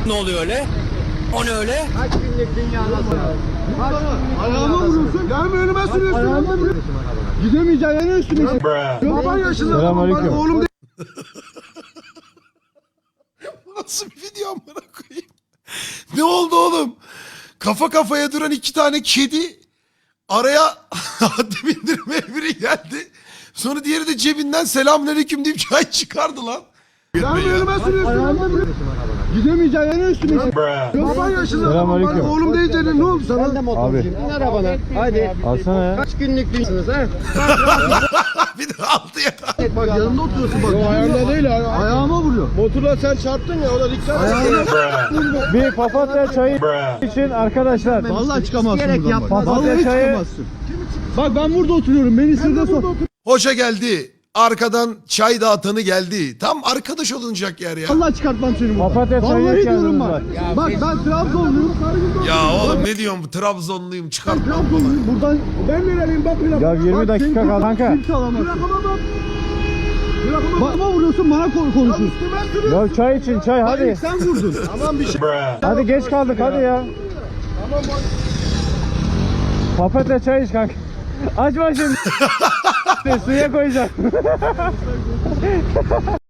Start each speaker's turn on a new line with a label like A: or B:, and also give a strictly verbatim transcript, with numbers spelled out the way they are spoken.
A: Ne oluyor öyle? O ne öyle?
B: Kaç günlük dünya nasıl?
C: Ayağıma vuruyorsun. Gelme önüme sürüyorsun. Ayağıma vuruyorsun. Gidemeyeceğin yere üstüne. Baban yaşında.
D: Selamünaleyküm.
C: Oğlum
E: Bu nasıl bir video amına koyayım? Ne oldu oğlum? Kafa kafaya duran iki tane kedi araya haddi bindirmeye biri geldi. Sonra diğeri de cebinden selamünaleyküm deyip çay çıkardı lan.
C: gelme önüme sürüyorsun. Ayağıma vuruyorsun. Gidemeyeceğin yere üstüne. Baban yaşında.
D: Selamünaleyküm.
C: Oğlum deyince ne oldu sana?
B: Ben de motorcuyum. Bin arabana. Hadi.
D: Alsana ya.
B: Kaç günlük dünyasınız ha?
E: Bir de aldı ya.
C: Bak yanında oturuyorsun bak. Ayağımda değil ayağıma vuruyor. Motorla sen çarptın ya ona dikkat et.
D: Bir papatya çayı için arkadaşlar.
C: Vallahi çıkamazsın
B: Gerek
C: buradan
B: yapma.
C: bak.
D: Papatya
C: Vallahi
D: çayı-
C: çıkamazsın. Bak ben burada oturuyorum. Beni sırda sok.
E: Hoca geldi. Arkadan çay dağıtanı geldi. Tam arkadaş olunacak yer ya.
C: Vallahi çıkartmam seni buradan.
D: Papatya çayı
C: Vallahi
D: içerdiniz
C: diyorum
D: bak.
C: bak. Bak ben Trabzonluyum.
E: Ya oğlum ne diyorsun? Trabzonluyum çıkar.
C: Trabzonluyum. Buradan ben nereliyim bak bir
D: Ya yirmi dakika kaldı kanka.
C: Kimse alamaz. Bana vuruyorsun bana ko- konuşuyorsun.
D: Ya çay için çay
C: Hayır
D: hadi.
C: sen vurdun. Aman bir şey.
D: Hadi geç kaldık hadi ya. Papatya çay iç kanka. Açma şimdi. Suya koyacağım.